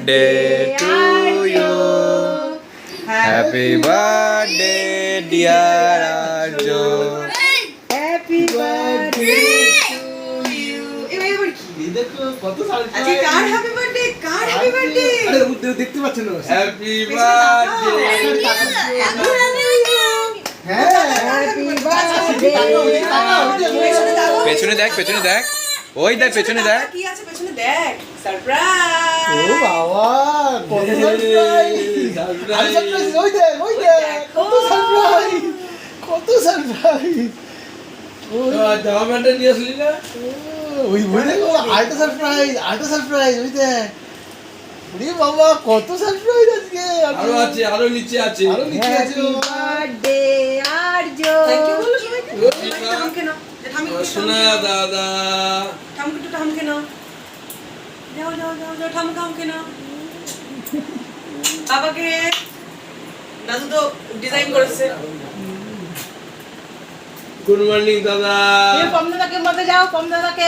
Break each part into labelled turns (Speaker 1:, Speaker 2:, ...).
Speaker 1: birthday to you. Happy birthday, dear Arjun.
Speaker 2: Happy birthday to you. এবার কি
Speaker 3: দেখো কত সারপ্রাইজ
Speaker 2: আজকে কার হ্যাপি বার্থডে
Speaker 3: আরে দেখতে পাচ্ছেন না
Speaker 1: Happy birthday.
Speaker 2: হ্যাপি বার্থডে
Speaker 1: পেছনে দেখ ওই দেখ পেছনে দেখ
Speaker 2: কি আছে পেছনে দেখ সারপ্রাইজ
Speaker 3: ও বাবা কত সারপ্রাইজ আরে সারপ্রাইজ ওই দেখ কত সারপ্রাইজ
Speaker 4: জামাটা নিয়ে আসলি না
Speaker 3: ওই দেখো আরেকটা সারপ্রাইজ ওই দেখ ওরে বাবা কত সারপ্রাইজ আজকে
Speaker 4: আরো নিচে আছে
Speaker 2: happy birthday Arzoo thank you বলো সবাইকে থামকে নাও
Speaker 4: শোনা দাদা
Speaker 2: থামকে নাও যাও থামকে নাও বাবাকে দাদু তো ডিজাইন করেছে
Speaker 4: গুড মর্নিং দাদা
Speaker 2: পম দাদাকে মতে যাও পম দাদাকে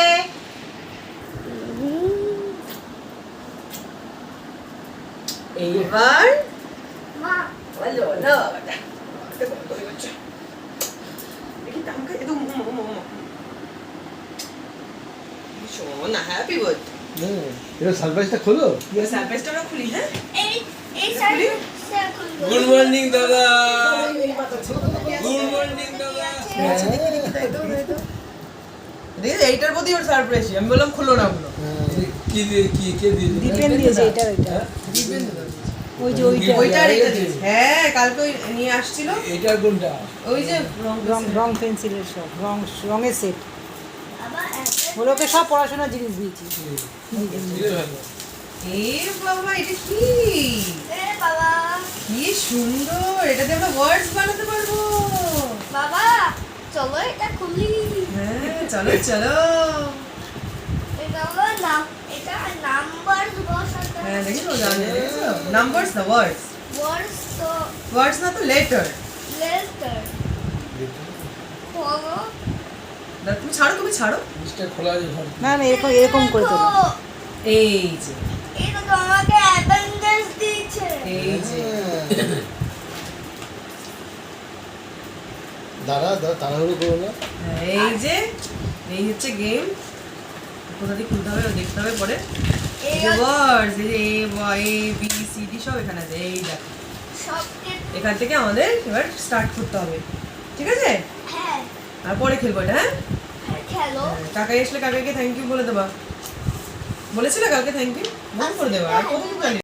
Speaker 2: এইবার বলো না বাবাটা দেখি থামকে এত শোনা হ্যাপি বার্থডে
Speaker 3: এটা সারপ্রাইজটা খোলো
Speaker 2: সারপ্রাইজটা আমরা খুলি হ্যাঁ
Speaker 4: গুড মর্নিং দাদা গুড মর্নিং দাদা
Speaker 2: এইটার প্রতি ওর সারপ্রাইজ আমি বললাম খুলো না ওগুলো
Speaker 4: কি দিয়ে কে দিয়ে
Speaker 5: ডিপেন্ড দিয়েছে এটা ওই যে
Speaker 2: ওইটা রেখে দিয়েছে হ্যাঁ কালকে ওই নিয়ে আসছিল
Speaker 4: এটা কোনটা
Speaker 2: ওই যে
Speaker 5: রং পেন্সিলের সব রঙের সেট ওকে সব পড়াশোনার জিনিস দিয়েছি
Speaker 2: এ বাবা এটা কি কি সুন্দর এটাতে আমরা ওয়ার্ডস বানাতে পারবো
Speaker 6: বাবা চলো এটা খুলি
Speaker 2: হ্যাঁ চলো চলো
Speaker 6: এটা হলো নাম এটা নাম্বার বসাতে
Speaker 2: হ্যাঁ দেখো জানো নাম্বারস না ওয়ার্ডস
Speaker 6: ওয়ার্ডস তো
Speaker 2: ওয়ার্ডস না তো লেটার
Speaker 6: লেটার হলো
Speaker 2: না তুমি ছাড়ো
Speaker 4: জিনিসটা খোলা আছে ঘর
Speaker 5: না এরকম করে তোলো
Speaker 2: এই যে
Speaker 6: এটা তো আমাকে অ্যাপেন্ডিক্স দিয়েছে
Speaker 2: এই যে
Speaker 3: দাঁড়া তাড়াহুড়ো করো না
Speaker 2: এই যে এই হচ্ছে গেম কোথা দিয়ে খুলতে হবে দেখতে হবে পরে এই যে ওয়ার্ডস এই যে এ বি সি ডি সব এখানে আছে এই দেখো
Speaker 6: সবকে
Speaker 2: এখান থেকে আমাদের এবার স্টার্ট করতে হবে ঠিক আছে
Speaker 6: হ্যাঁ
Speaker 2: আর পরে খেলবো এটা হ্যাঁ
Speaker 6: খেলো
Speaker 2: কাকাই আসলে কাকাইকে থ্যাংক ইউ বলে দেবা বলেছিলে কালকে থ্যাংক ইউ মনে করে দেবা আর কত জানি